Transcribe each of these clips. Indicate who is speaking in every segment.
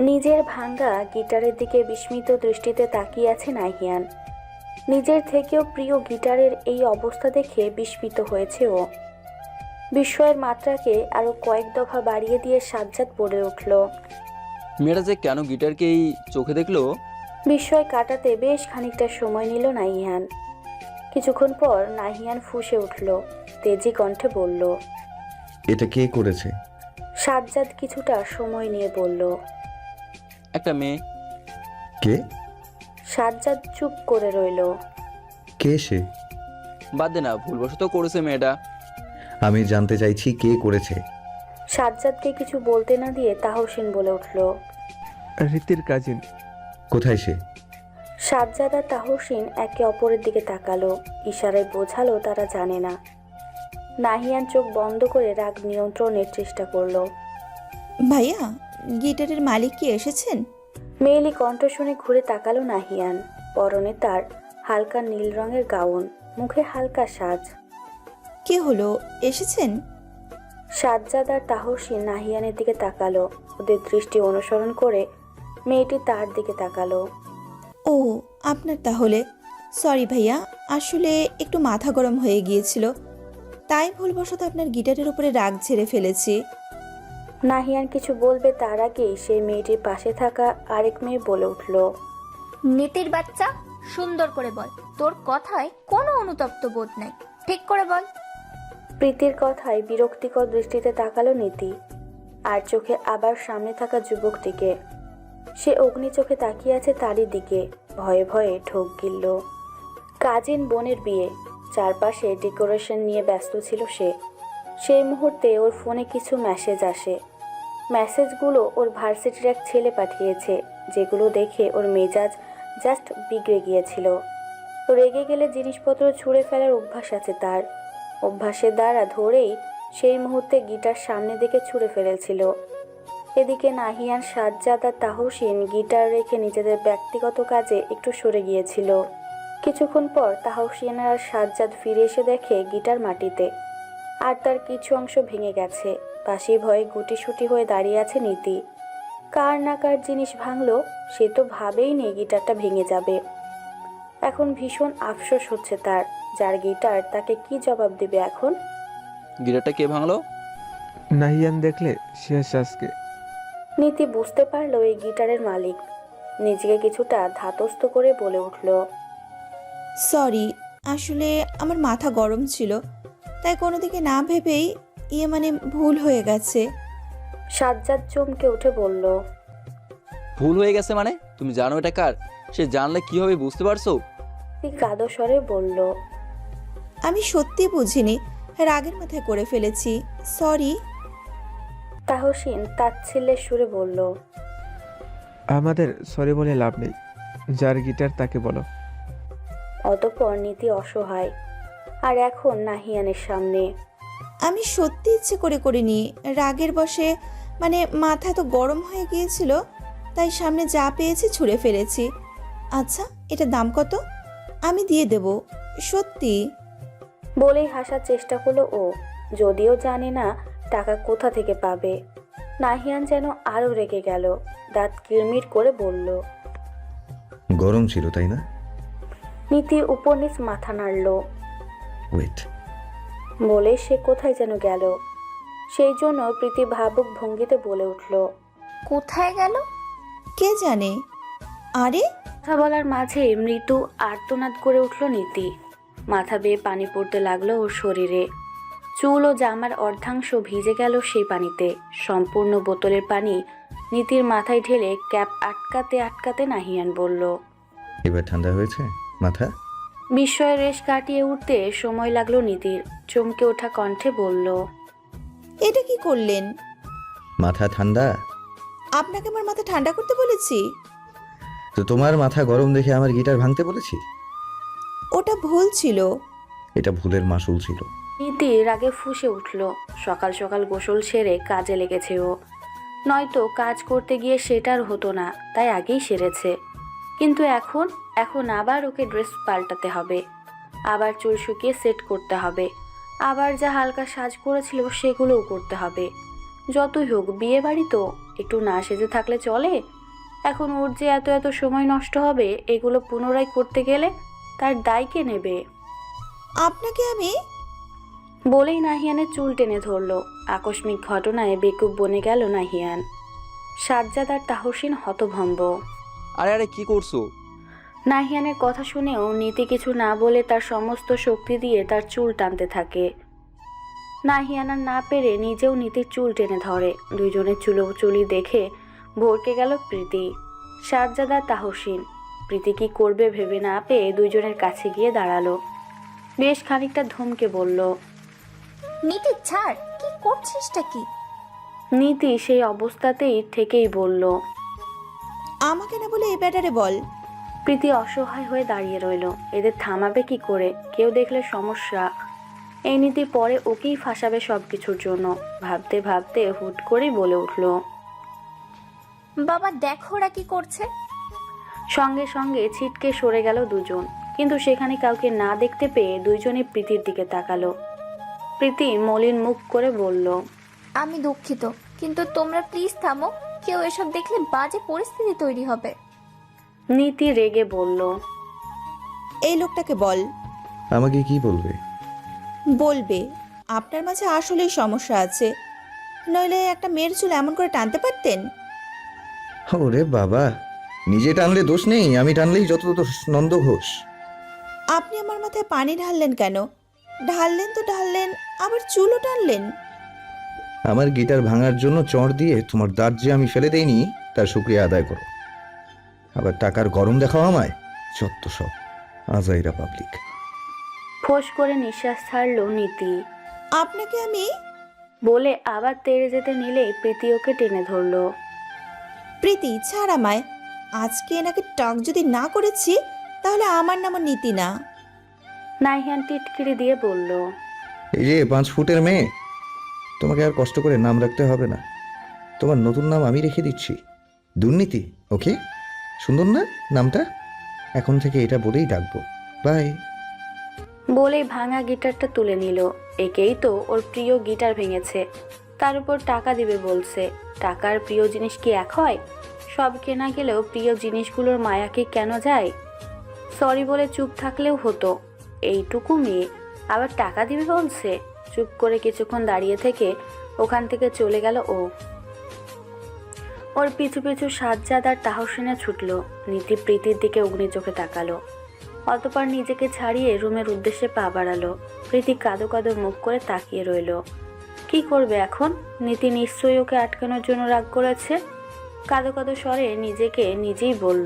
Speaker 1: নিজের ভাঙা গিটারের দিকে বিস্মিত দৃষ্টিতে তাকিয়ে আছে নাহিয়ান। নিজের থেকেও প্রিয় গিটারের এই অবস্থা দেখে বিস্মিত হয়েছে ও। বিস্ময়ের মাত্রাকে আরো কয়েক দফা বাড়িয়ে দিয়ে সাজ্জাদ বলে উঠল।
Speaker 2: মেয়েটা যে কেন গিটারকে এই চোখে দেখলো?
Speaker 1: বিস্ময় কাটাতে বেশ খানিকটা সময় নিল নাহিয়ান। কিছুক্ষণ পর নাহিয়ান ফুঁসে উঠল, তেজি কণ্ঠে বলল।
Speaker 3: এটা কে করেছে?
Speaker 1: সাজ্জাদ কিছুটা সময় নিয়ে বলল।
Speaker 2: একটা মেয়ে।
Speaker 3: কে?
Speaker 1: সাজ্জাদ চুপ করে রইল।
Speaker 3: কে সে?
Speaker 2: বাদ দে না, ভুলবশত করেছে মেয়েটা।
Speaker 3: আমি জানতে চাইছি কে করেছে।
Speaker 1: সাজ্জাদকে কিছু বলতে না দিয়ে তাহসিন বলে উঠল।
Speaker 4: রীতির কাজিন।
Speaker 3: কোথায় সে?
Speaker 1: সাজ্জাদ আর তাহসিন একে অপরের দিকে তাকালো, ইশারায় বোঝালো তারা জানে না। নাহিয়ান চোখ বন্ধ করে রাগ নিয়ন্ত্রণের চেষ্টা করলো।
Speaker 5: ভাইয়া, গিটারের মালিক কি এসেছেন?
Speaker 1: মেয়েলি কণ্ঠ শুনে ঘুরে তাকালো নাহিয়ান। পরনে তার হালকা নীল রঙের গাউন, মুখে হালকা সাজ।
Speaker 5: কি হলো, এসেছেন?
Speaker 1: সাজ্জাদ আর তাহসিন নাহিয়ানের দিকে তাকালো। ওদের দৃষ্টি অনুসরণ করে মেয়েটি তার দিকে তাকালো।
Speaker 5: ও, আপনার তাহলে। সরি ভাইয়া, আসলে একটু মাথা গরম হয়ে গিয়েছিল, তাই ভুলবশত আপনার গিটারের উপরে রাগ ঝেড়ে ফেলেছি।
Speaker 1: নাহিয়ান কিছু বলবে তার আগেই সেই মেয়েটির পাশে থাকা আরেক মেয়ে বলে উঠল।
Speaker 6: নীতির বাচ্চা, সুন্দর করে বল, তোর কথায় কোনো অনুতপ্ত বোধ নাই, ঠিক করে বল।
Speaker 1: প্রীতির কথায় বিরক্তিকর দৃষ্টিতে তাকালো নীতি, আর চোখে আবার সামনে থাকা যুবকটিকে। সে অগ্নি চোখে তাকিয়ে আছে তারই দিকে, ভয়ে ভয়ে ঢোক গিলল। কাজিন বোনের বিয়ে, চারপাশে ডেকোরেশন নিয়ে ব্যস্ত ছিল সে। সেই মুহূর্তে ওর ফোনে কিছু মেসেজ আসে। মেসেজগুলো ওর ভার্সিটির এক ছেলে পাঠিয়েছে, যেগুলো দেখে ওর মেজাজ জাস্ট বিগড়ে গিয়েছিল। রেগে গেলে জিনিসপত্র ছুঁড়ে ফেলার অভ্যাস আছে তার। অভ্যাসের দ্বারা ধরেই সেই মুহূর্তে গিটার সামনে দিকে ছুঁড়ে ফেলেছিল। এদিকে নাহিয়ান, সাজ্জাদ আর তাহসিন গিটার রেখে নিজেদের ব্যক্তিগত কাজে একটু সরে গিয়েছিল। কিছুক্ষণ পর তাহসিন আর সাজ্জাদ ফিরে এসে দেখে গিটার মাটিতে, আর তার কিছু অংশ ভেঙে গেছে। পাশে ভয়ে গুটিসুটি হয়ে দাঁড়িয়ে আছে নীতি। কার না কার জিনিস ভাঙলো, সে তো ভাবেই নি গিটারটা ভেঙে যাবে। এখন ভীষণ আফসোস হচ্ছে তার, যার গিটার তাকে কি জবাব দেবে এখন।
Speaker 2: গিটারটা কে ভাঙলো?
Speaker 4: নাহিয়ান দেখলে শেষ আজকে।
Speaker 1: নীতি বুঝতে পারলো এই গিটারের মালিক। নিজেকে কিছুটা ধাতস্থ করে বলে উঠল।
Speaker 5: সরি, আসলে আমার মাথা গরম ছিল, তাই কোনো দিকে না ভেবেই ভুল হয়ে গেছে।
Speaker 1: সাজ্জাদ চমকে উঠে বলল।
Speaker 2: ভুল হয়ে গেছে মানে? তুমি জানো এটা কার? সে জানলে কি হবে বুঝতে পারছো?
Speaker 1: কাদো স্বরে বলল।
Speaker 5: আমি সত্যি বুঝিনি, রাগের মাথায় করে ফেলেছি, সরি।
Speaker 1: তাহসিন তাচ্ছিল্যের সুরে বলল।
Speaker 4: আমাদের সরি বলে লাভ নেই, যার গিটার তাকে বলো।
Speaker 1: অতঃপর নীতি অসহায়, আর এখন নাহিয়ানের সামনে।
Speaker 5: আমি সত্যি ইচ্ছে করে করিনি, রাগের বশে মাথা তো গরম হয়ে গিয়েছিল, তাই সামনে যা পেয়েছি ছুঁড়ে ফেলেছি। আচ্ছা, এটা দাম কত? আমি দিয়ে দেব, সত্যি।
Speaker 1: বলেই হাসার চেষ্টা করলো ও, যদিও জানে না টাকা কোথা থেকে পাবে। নাহিয়ান যেন আরো রেগে গেল, দাঁত কিরমির করে বলল।
Speaker 3: গরম ছিল তাই না?
Speaker 1: নীতি উপর নিচ মাথা নাড়ল।
Speaker 3: ওয়েট।
Speaker 1: বলে সে কোথায় যেন গেল। সেই জন্য প্রীতি ভাবুক ভঙ্গিতে বলে উঠল।
Speaker 6: কোথায় গেল?
Speaker 5: কে জানে। আরে,
Speaker 1: কথা বলার মাঝে মৃদু আর্তনাদ করে উঠল নীতি। মাথা বেয়ে পানি পড়তে লাগলো ওর শরীরে। চুল ও জামার অর্ধাংশ ভিজে গেল সেই পানিতে। সম্পূর্ণ বোতলের পানি নীতির মাথায় ঢেলে ক্যাপ আটকাতে আটকাতে নাহিয়ান বলল।
Speaker 3: এবার ঠান্ডা হয়েছে মাথা?
Speaker 1: বিস্ময়ের রেশ কাটিয়ে উঠতে সময় লাগলো নীতির। চমকে ওঠা কণ্ঠে বলল।
Speaker 5: এটা কি করলেন?
Speaker 3: মাথা ঠান্ডা?
Speaker 5: আপনাকে আমার মাথা ঠান্ডা করতে বলেছি?
Speaker 3: তো তোমার মাথা গরম দেখে আমার গিটার ভাঙতে বলেছি?
Speaker 5: ওটা ভুল ছিল।
Speaker 3: এটা ভুলের মাসুল ছিল।
Speaker 1: নীতি রাগে ফুঁসে উঠল। সকাল সকাল গোসল সেরে কাজে লেগেছে ও। নয়তো কাজ করতে গিয়ে সেটার হতো না, তাই আগেই সেরেছে। কিন্তু এখন আবার ওকে ড্রেস পাল্টাতে হবে, আবার চুল শুকিয়ে সেট করতে হবে, আবার যা হালকা সাজ করেছিল সেগুলোও করতে হবে। যতই হোক বিয়ে বাড়ি তো, একটু না সেজে থাকলে চলে? এখন ওর যে এত এত সময় নষ্ট হবে এগুলো পুনরায় করতে গেলে, তার দায় কে নেবে?
Speaker 5: আপনাকে আমি
Speaker 1: বলেই নাহিয়ানের চুল টেনে ধরল। আকস্মিক ঘটনায় বেকুব বনে গেল নাহিয়ান। সাজ্জাদ আর তাহসিন হতভম্ব।
Speaker 2: আরে আরে কি করছো?
Speaker 1: নাহিয়ানের কথা শুনেও নীতি কিছু না বলে তার সমস্ত শক্তি দিয়ে তার চুল টানতে থাকে। নাহিয়ান আর না পেরে নিজেও নীতির চুল টেনে ধরে। দুইজনের চুলোচুলি দেখে ভরকে গেল প্রীতি, সাজ্জাদ আর তাহসিন। প্রীতি কি করবে ভেবে না পেয়ে দুইজনের কাছে গিয়ে দাঁড়ালো। বেশ খানিকটা ধমকে বলল।
Speaker 6: নীতি ছাড়, কি করছিসটা কি?
Speaker 1: নীতি সেই অবস্থাতেই থেকেই বলল।
Speaker 5: আমাকে না বলে এই ব্যাটারে বল।
Speaker 1: প্রীতি অসহায় হয়ে দাঁড়িয়ে রইল। এদের থামাবে কি করে? কেউ দেখলে সমস্যা। এই নীতি পরে ওকেই ফাঁসাবে সব কিছুর জন্য। ভাবতে ভাবতে হুট করেই বলে উঠল।
Speaker 6: বাবা দেখো ওরা কি করছে।
Speaker 1: সঙ্গে সঙ্গে ছিটকে সরে গেল দুজন, কিন্তু সেখানে কাউকে না দেখতে পেয়ে দুইজনই প্রীতির দিকে তাকালো। প্রীতি মলিন মুখ করে বলল।
Speaker 6: আমি দুঃখিত, কিন্তু তোমরা প্লিজ থামো। কেউ এসব দেখলে বাজে পরিস্থিতি তৈরি হবে।
Speaker 1: নীতি রেগে বলল।
Speaker 5: এই লোকটাকে বল।
Speaker 3: আমাকে কি বলবে?
Speaker 5: বলবে আপনার মাঝে আসলেই সমস্যা আছে, নইলে একটা মেয়ের চুল এমন করে টানতে পারতেন?
Speaker 3: ওরে বাবা, নিজে টানলে দোষ নেই, আমি টানলেই যত দোষ নন্দ ঘোষ।
Speaker 5: আপনি আমার মাথায় পানি ঢাললেন কেন? ঢাললেন তো ঢাললেন, আবার চুলও টানলেন।
Speaker 3: আমার গিটার ভাঙার জন্য চড় দিয়ে তোমার দাঁত যে আমি ফেলে দেইনি তার শুক্রিয়া আদায় করো। আবার টাকার গরম দেখাও আমায়, যত সব আজাইরা পাবলিক।
Speaker 1: ফোঁস করে নিঃশ্বাস ছাড়ল নীতি।
Speaker 5: আপনাকে আমি
Speaker 1: বলে আবার তেড়ে যেতে নিলেই প্রীতি ওকে টেনে ধরল।
Speaker 5: প্রীতি ছাড় আমায়। আজকে এনাকে টক যদি না করেছি তাহলে আমার নামও নীতি না।
Speaker 1: নাহিয়ান টিটকিরি দিয়ে বলল।
Speaker 3: এই যে 5 ফুটের মেয়ে, তোমাকে আর কষ্ট করে নাম রাখতে হবে না। তোমার নতুন নাম আমি রেখে দিচ্ছি, দুর্নীতি। ওকে, সুন্দর না নামটা? এখন থেকে এটা বলেই ডাকবো। বাই।
Speaker 1: বলেই ভাঙা গিটারটা তুলে নিল। একেই তো ওর প্রিয় গিটার ভেঙেছে, তার উপর টাকা দিবে বলছে। টাকার প্রিয় জিনিস কি এক হয়? সব কেনা গেলেও প্রিয় জিনিসগুলোর মায়া কি কেন যায়? সরি বলে চুপ থাকলেও হতো। এইটুকু মেয়ে আবার টাকা দিবে বলছে। চুপ করে কিছুক্ষণ দাঁড়িয়ে থেকে ওখান থেকে চলে গেল ও। ওর পিছু পিছু সাজ্জাদ আর তাহসিনে ছুটল। নীতি প্রীতির দিকে অগ্নি চোখে তাকালো, অতপর নিজেকে ছাড়িয়ে রুমের উদ্দেশ্যে পা বাড়ালো। প্রীতি কাঁদো কাঁদো মুখ করে তাকিয়ে রইল। কি করবে এখন? নীতি নিশ্চয়ই ওকে আটকানোর জন্য রাগ করেছে। কাঁদো কাঁদো স্বরে নিজেকে নিজেই বলল।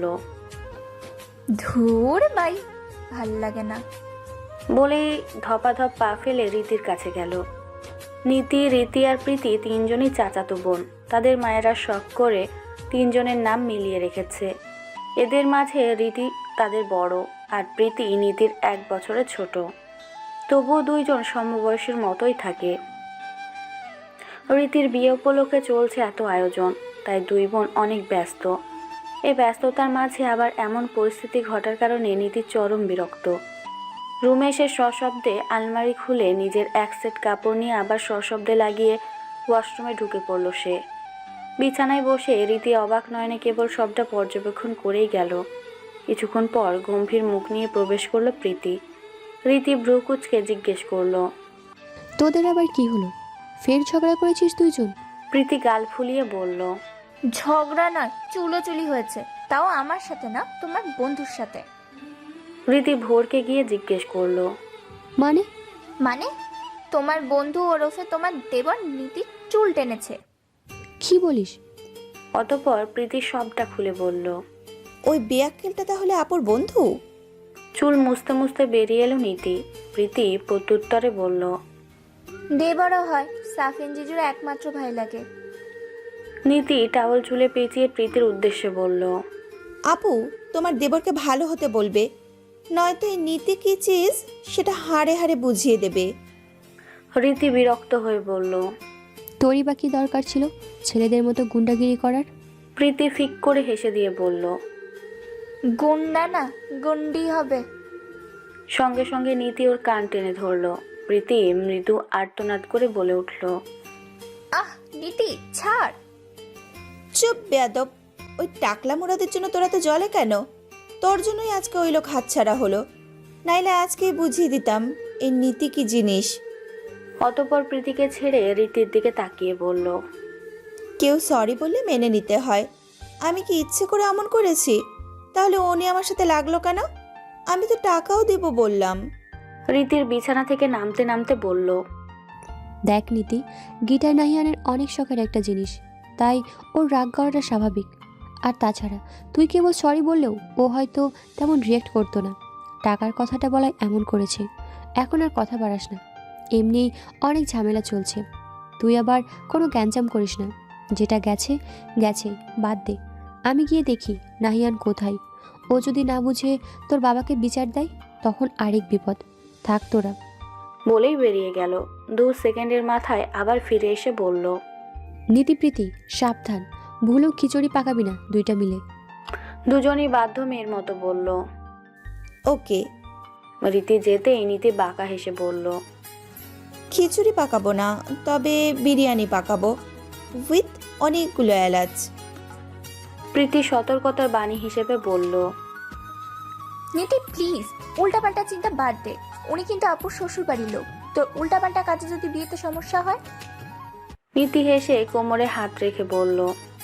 Speaker 6: ধুর বাই, ভাল লাগে না।
Speaker 1: বলেই ধপাধপ পা ফেলে রীতির কাছে গেল। নীতি, রীতি আর প্রীতি তিনজনই চাচাতো বোন। তাদের মায়েরা শখ করে তিনজনের নাম মিলিয়ে রেখেছে। এদের মাঝে রীতি তাদের বড়, আর প্রীতি নীতির 1 বছরের ছোট। তবুও দুইজন সমবয়সীর মতোই থাকে। রীতির বিয়ে উপলক্ষে চলছে এত আয়োজন, তাই দুই বোন অনেক ব্যস্ত। এই ব্যস্ততার মাঝে আবার এমন পরিস্থিতি ঘটার কারণে নীতি চরম বিরক্ত। রুমে এসে সশব্দে আলমারি খুলে নিজের 1 সেট কাপড় নিয়ে আবার সশব্দে লাগিয়ে ওয়াশরুমে ঢুকে পড়ল সে। বিছানায় বসে রীতি অবাক নয়নে কেবল সবটা পর্যবেক্ষণ করেই গেল। কিছুক্ষণ পর গম্ভীর মুখ নিয়ে প্রবেশ করলো প্রীতি। রীতি ভ্রু কুঁচকে জিজ্ঞেস করলো।
Speaker 7: তোদের আবার কি হলো? ফের ঝগড়া করেছিস দুইজন?
Speaker 1: প্রীতি গাল ফুলিয়ে বলল।
Speaker 6: ঝগড়া নয়, চুলোচুলি হয়েছে, তাও আমার সাথে না, তোমার বন্ধুর সাথে।
Speaker 1: রীতি ভোরকে গিয়ে জিজ্ঞেস করলো।
Speaker 7: মানে?
Speaker 6: মানে তোমার বন্ধু ওরফে তোমার দেবর নীতির চুল টেনেছে।
Speaker 7: কি বলিস?
Speaker 1: অতঃপর প্রীতি সবটা খুলে বলল।
Speaker 5: ওই বেয়াক্কেলটা তাহলে আপুর বন্ধু?
Speaker 1: চুল মুছতে মুছতে বেরিয়ে এলো নীতি। প্রীতি প্রত্যুত্তরে বলল।
Speaker 6: দেবরও হয়, সাফিন জিজুর একমাত্র ভাই লাগে।
Speaker 1: নীতি টাওয়াল চুলে পেঁচিয়ে প্রীতির উদ্দেশ্যে বলল।
Speaker 5: আপু, তোমার দেবরকে ভালো হতে বলবে, নয়তো এই নীতি কি চিজ সেটা হাড়ে হাড়ে বুঝিয়ে দেবে।
Speaker 1: রীতি বিরক্ত হয়ে বলল।
Speaker 7: তোরই বা কি দরকার ছিল ছেলেদের মতো গুন্ডাগিরি করার?
Speaker 1: প্রীতি ফিক করে হেসে দিয়ে বলল।
Speaker 6: গুন্ডা না, গুন্ডি হবে।
Speaker 1: সঙ্গে সঙ্গে নীতি ওর কান টেনে ধরল। প্রীতি মৃদু আর্তনাদ করে বলে উঠল।
Speaker 6: আহ নীতি ছাড়।
Speaker 5: চুপ বেয়াদব। ওই টাকলা মুরাদের জন্য তোরা তো জলে কেন? তোর জন্যই আজকে ওই লোক হাতছাড়া হলো, নাইলে আজকেই বুঝিয়ে দিতাম এই নীতি কি জিনিস।
Speaker 1: অতঃপর প্রীতিকে ছেড়ে রীতির দিকে তাকিয়ে বলল,
Speaker 5: কেউ সরি বললে মেনে নিতে হয়। আমি কি ইচ্ছে করে অমন করেছি? তাহলে উনি আমার সাথে লাগলো কেন? আমি তো টাকাও দেব বললাম।
Speaker 1: রীতির বিছানা থেকে নামতে নামতে বলল,
Speaker 7: দেখ নীতি, গিটার নাহিয়ানের অনেক শখের একটা জিনিস, তাই ওর রাগ করাটা স্বাভাবিক। আর তাছাড়া তুই কেবল সরি বললেও ও হয়তো তেমন রিয়েক্ট করতো না। টাকার কথাটা বলায় এমন করেছে। এখন আর কথা বাড়াস না, এমনিই অনেক ঝামেলা চলছে। তুই আবার কোনো গ্যাঞ্জাম করিস না। যেটা গেছে গেছে, বাদ দে। আমি গিয়ে দেখি নাহিয়ান কোথায়। ও যদি না বুঝে তোর বাবাকে বিচার দেয়, তখন আরেক বিপদ। থাক তোরা।
Speaker 1: বলেই বেরিয়ে গেল। 2 সেকেন্ডের মাথায় আবার ফিরে এসে বলল,
Speaker 7: নীতিপ্রীতি, সাবধান, ভুলেও খিচুড়ি পাকাবি না দুইটা মিলে।
Speaker 1: দুজনই বাধ্য মেয়ের মতো বলল।
Speaker 5: ওকে।
Speaker 1: রীতি যেতেই নীতি বাঁকা হেসে বলল,
Speaker 5: খিচুড়ি পাকাবো না, তবে বিরিয়ানি পাকাবো, উইথ অনেকগুলো এলাচ।
Speaker 1: প্রীতি সতর্কতার বাণী হিসেবে বলল,
Speaker 6: নীতি প্লিজ, উল্টাপাল্টা চিন্তা বাদ দে। উনি কিন্তু আপুর শ্বশুর বাড়ির লোক, তোর উল্টাপাল্টা কাজে যদি বিয়েতে সমস্যা হয়।
Speaker 1: নীতি হেসে কোমরে হাত রেখে বলল,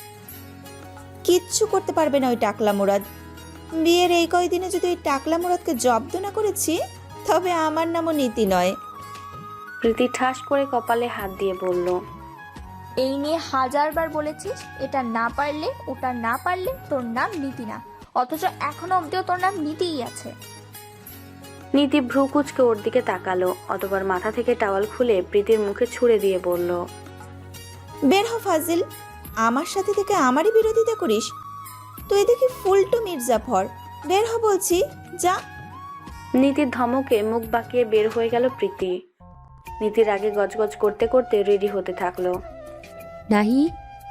Speaker 5: কিচ্ছু করতে পারবে না ওই টাকলা মুরাদ। বিয়ের এই কয়দিনে যদি ওই টাকলা মুরাদকে জব্দ না করেছি, তবে আমার নামও নীতি নয়।
Speaker 1: প্রীতি ঠাস করে কপালে হাত দিয়ে বলল,
Speaker 6: এই নিয়ে 1000বার বলেছিস, এটা না পারলে ওটা না পারলে তোর নাম নীতি না, অথচ এখনো অব্দিও তোর নাম নীতিই আছে।
Speaker 1: নীতি ভ্রু কুচকে ওর দিকে তাকালো, অতঃপর মাথা থেকে টাওয়াল খুলে প্রীতির মুখে ছুঁড়ে দিয়ে বলল,
Speaker 5: বের হ ফাজিল, আমার সাথে থেকে আমারই বিরোধিতা করিস? তুই দেখি ফুলটু মির্জাফর, বের হ বলছি, যা।
Speaker 1: নীতির ধমকে মুখ বাঁকিয়ে বের হয়ে গেল প্রীতি। নীতির আগে গজগজ করতে করতে রেডি হতে থাকলো।
Speaker 7: নাহি,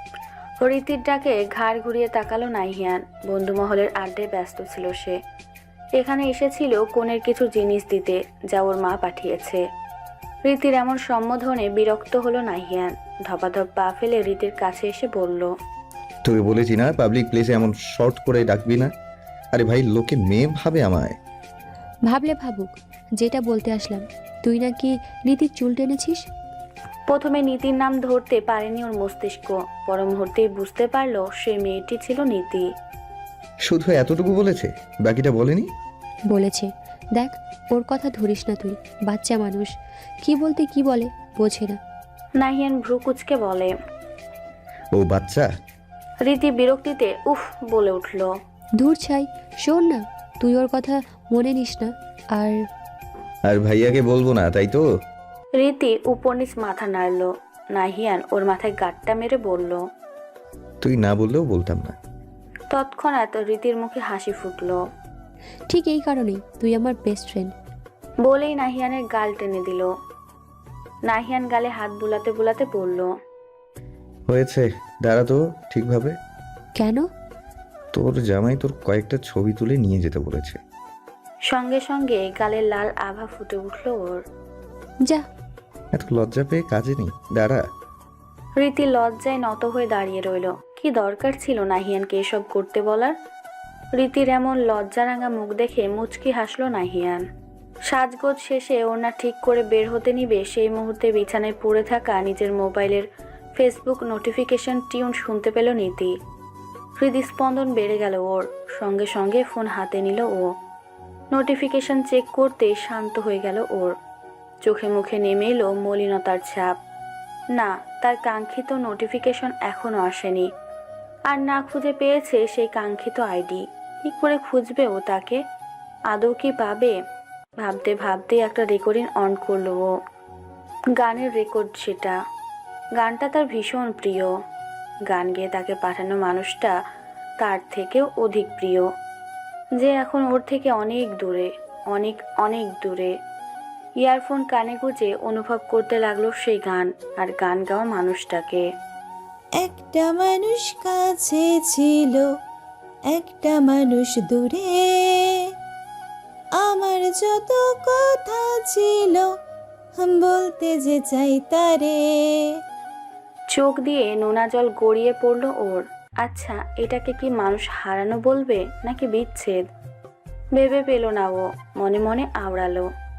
Speaker 1: রীতির ডাকে ঘাড় ঘুরিয়ে তাকালো নাহিয়ান। বন্ধুমহলের আড্ডায় ব্যস্ত ছিল সে। এখানে এসেছিল কনের কিছু জিনিস দিতে, যা ওর মা পাঠিয়েছে। রীতির এমন সম্বোধনে বিরক্ত হলো নাহিয়ান। ধপাধপ পা ফেলে রীতির কাছে এসে বলল,
Speaker 3: তোকে বলেছি না পাবলিক প্লেসে এমন শর্ট করে ডাকবি না। আরে ভাই, লোকে মেয়ে ভাবে আমায়।
Speaker 7: ভাবলে ভাবুক, যেটা বলতে আসলাম, তুই নাকি নীতির চুল টেনেছিস।
Speaker 1: প্রথমে নীতির নাম ধরতে পারেনি ওর মস্তিষ্ক, পর মুহূর্তেই বুঝতে পারলো সেই মেয়েটি ছিল নীতি।
Speaker 3: শুধু এতটুকু বলেছে, বাকিটা বলেনি?
Speaker 7: বলেছে। দেখ, ওর কথা ধরিস না তুই, বাচ্চা মানুষ, কি বলতে কি বলে বোঝে না।
Speaker 1: নাহিয়ান ভ্রু কুচকে বলে।
Speaker 3: ও বাচ্চা?
Speaker 1: রীতি বিরক্তিতে উফ বলে উঠল।
Speaker 7: দূর ছাই, শোন না, তুই ওর কথা মনে নিস না। আর
Speaker 3: আর ভাইয়াকে বলবো না, তাই তো?
Speaker 1: রীতি উপর নিচ মাথা নাড়ল। নাহিয়ান ওর মাথায় গাঁটটা মেরে বলল।
Speaker 3: তুই না বললেও বলতাম না।
Speaker 1: তৎক্ষণাৎ রীতির মুখে হাসি ফুটল।
Speaker 7: ঠিক এই কারণেই তুই আমার বেস্ট ফ্রেন্ড।
Speaker 1: বলেই নাহিয়ানের গাল টেনে দিল। নাহিয়ান গালে হাত বুলাতে বুলাতে বলল,
Speaker 3: হয়েছে, দাঁড়া তো ঠিকভাবে।
Speaker 7: কেন?
Speaker 3: তোর জামাই তোর কয়েকটা ছবি তুলে নিয়ে যেতে বলেছে।
Speaker 1: সঙ্গে সঙ্গে গালের লাল আভা ফুটে উঠল ওর।
Speaker 7: যা।
Speaker 3: এত লজ্জা পেয়ে কাজে নেই, দাঁড়া।
Speaker 1: রীতি লজ্জায় নত হয়ে দাঁড়িয়ে রইল। কি দরকার ছিল নাহিয়ানকে এসব করতে বলার? রীতির এমন লজ্জারাঙা মুখ দেখে মুচকি হাসলো নাহিয়ান। সাজগোজ শেষে ওড়না ঠিক করে বের হতে নিবে সেই মুহূর্তে বিছানায় পড়ে থাকা নিজের মোবাইলের ফেসবুক নোটিফিকেশন টিউন শুনতে পেল নীতি। হৃদস্পন্দন বেড়ে গেল ওর। সঙ্গে সঙ্গে ফোন হাতে নিল ও। নোটিফিকেশন চেক করতে শান্ত হয়ে গেল ওর। চোখে মুখে নেমে এলো মলিনতার ছাপ। না, তার কাঙ্ক্ষিত নোটিফিকেশন এখনো আসেনি। আর না খুঁজে পেয়েছে সেই কাঙ্ক্ষিত আইডি। কি করে খুঁজবে ও তাকে? আদৌ কি পাবে? ভাবতে ভাবতে একটা রেকর্ডিং অন করলো ও। গানের রেকর্ড সেটা। গানটা তার ভীষণ প্রিয়। গান গেয়ে তাকে পাঠানো মানুষটা তার থেকেও অধিক প্রিয়, যে এখন ওর থেকে অনেক দূরে, অনেক অনেক দূরে। ইয়ারফোন কানে গুঁজে অনুভব করতে লাগলো সেই গান আর গান গাওয়া মানুষটাকে।
Speaker 5: একটা মানুষ কাছে ছিল, একটা মানুষ দূরে, আমার যত কথা ছিল বলতে যে চাই তারে।
Speaker 1: চোখ দিয়ে নোনা জল গড়িয়ে পড়ল ওর। আচ্ছা, এটাকে কি মানুষ হারানো বলবে নাকি বিচ্ছেদ? ভেবে পেল না ও, মনে মনে আওড়ালো।